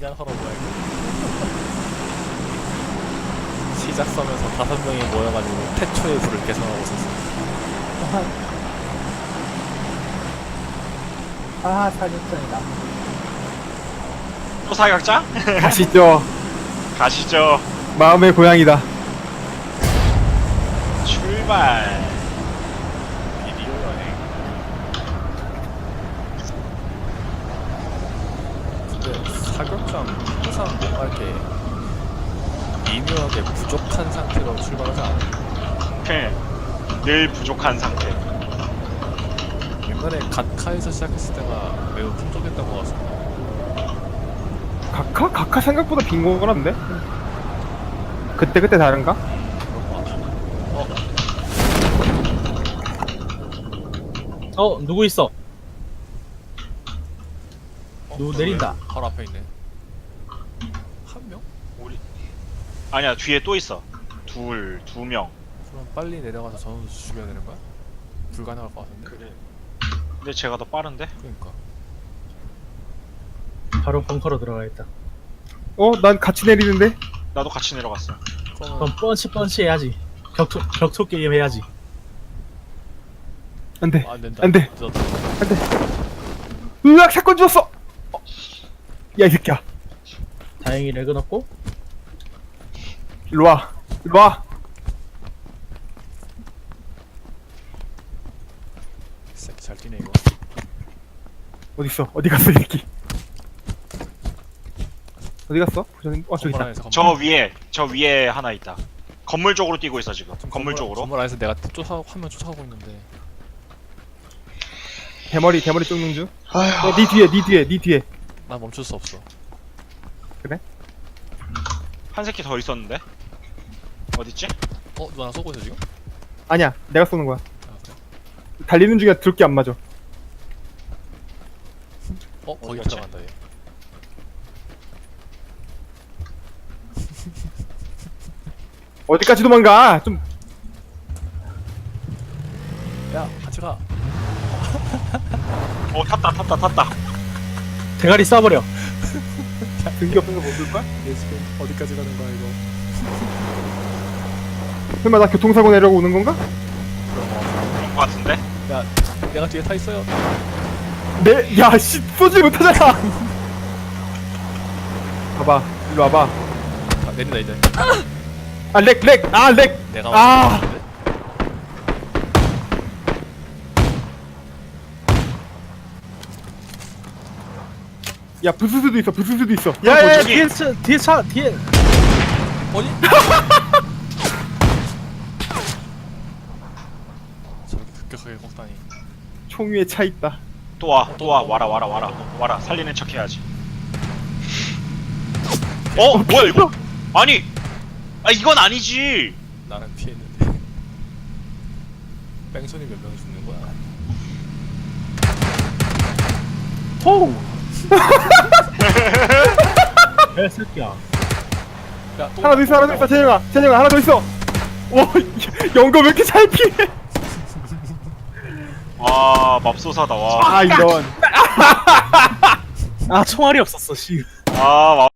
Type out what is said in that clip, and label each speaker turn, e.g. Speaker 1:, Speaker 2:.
Speaker 1: 그냥 하러 뭐야 이거. 시작 서면서 5명이 모여가지고 태초의 불을 개선하고 있었어.
Speaker 2: 아, 사격전이다.
Speaker 3: 또 사격장?
Speaker 4: 가시죠.
Speaker 3: 가시죠.
Speaker 4: 마음의 고향이다.
Speaker 3: 출발.
Speaker 1: 비디오 여행. 근데 사격장 항상 뭔가 이렇게 미묘하게 부족한 상태로 출발하지 않아?
Speaker 3: 늘 부족한 상태.
Speaker 1: 옛날에 갓카에서 시작했을 때가 매우 풍족했던 것 같습니다.
Speaker 4: 각하? 각하 생각보다 빈 거라는데? 그때 다른가?
Speaker 1: 그런 것 같아.
Speaker 2: 누구 있어? 누구
Speaker 1: 그러네.
Speaker 2: 내린다.
Speaker 1: 바로 앞에 있네. 한 명?
Speaker 3: 우리 아니야 뒤에 또 있어. 두 명.
Speaker 1: 그럼 빨리 내려가서 전원도 죽여야 되는 거야? 불가능할 것 같은데?
Speaker 3: 그래. 근데 제가 더 빠른데?
Speaker 1: 그러니까.
Speaker 2: 바로 벙커로 들어가겠다.
Speaker 4: 난 같이 내리는데?
Speaker 3: 나도 같이 내려갔어.
Speaker 1: 그러면
Speaker 2: 그럼 펀치 해야지. 격투 게임 해야지.
Speaker 4: 안 돼.
Speaker 1: 안 된다.
Speaker 4: 안 돼.
Speaker 1: 늦었다.
Speaker 4: 안 돼. 으악, 사건 죽었어! 야, 이 새끼야.
Speaker 2: 다행히 렉은 없고.
Speaker 4: 일로 와. 일로 와.
Speaker 1: 새끼 잘 뛰네 이거.
Speaker 4: 어딨어? 어디 갔어, 이 새끼? 어디 갔어? 저기
Speaker 1: 건물
Speaker 4: 있다.
Speaker 1: 안에서 건물.
Speaker 3: 저 위에 하나 있다. 건물 쪽으로 뛰고 있어 지금. 건물 쪽으로.
Speaker 1: 건물 안에서 내가 화면 쫓아가고 있는데.
Speaker 4: 대머리 쫓는 중. 니 뒤에.
Speaker 1: 난 멈출 수 없어.
Speaker 3: 한 새끼 더 있었는데? 어딨지?
Speaker 1: 누가 나 쏘고 있어 지금?
Speaker 4: 아니야, 내가 쏘는 거야.
Speaker 1: 아 그래?
Speaker 4: 달리는 중에 들게 안 맞아.
Speaker 1: 거기
Speaker 3: 어디였지?
Speaker 1: 들어간다 얘.
Speaker 4: 어디까지 도망가? 좀
Speaker 1: 야 같이 가.
Speaker 3: 탔다.
Speaker 2: 대가리 쏴버려.
Speaker 4: 등기 없는 거못 쓸 거야?
Speaker 1: 얘 지금 어디까지 가는 거야 이거?
Speaker 4: 설마 나 교통사고 내려고 오는 건가?
Speaker 1: 그런 거 같아.
Speaker 3: 그런 거 같은데?
Speaker 1: 야 내가 뒤에 타 있어요.
Speaker 4: 야, 씨, 쏘지 못하잖아. 봐봐, 일로 와봐.
Speaker 1: 아, 내린다 이제.
Speaker 4: 아, 렉.
Speaker 1: 내가
Speaker 4: 아.
Speaker 1: 왔는데?
Speaker 4: 야, 부스스도 있어.
Speaker 2: 야야야,
Speaker 3: 저기.
Speaker 2: 뒤에 차 뒤에.
Speaker 1: 어디? 저렇게 급격하게 꺾다니.
Speaker 4: 총 위에 차 있다.
Speaker 3: 또 와. 와라. 살리는 척 해야지. 뭐야 이거? 아니! 이건 아니지!
Speaker 1: 나는 피했는데. 뺑소니 몇 명이 죽는 거야?
Speaker 2: 호우. 개새끼야.
Speaker 1: 야, 또
Speaker 4: 하나 더 있어. 재영아, 하나 더 있어. 와, 영거 왜 이렇게 잘 피해?
Speaker 3: 와, 맙소사다, 와.
Speaker 4: 아, 이런.
Speaker 2: 아, 총알이 없었어. 씨.
Speaker 3: 아,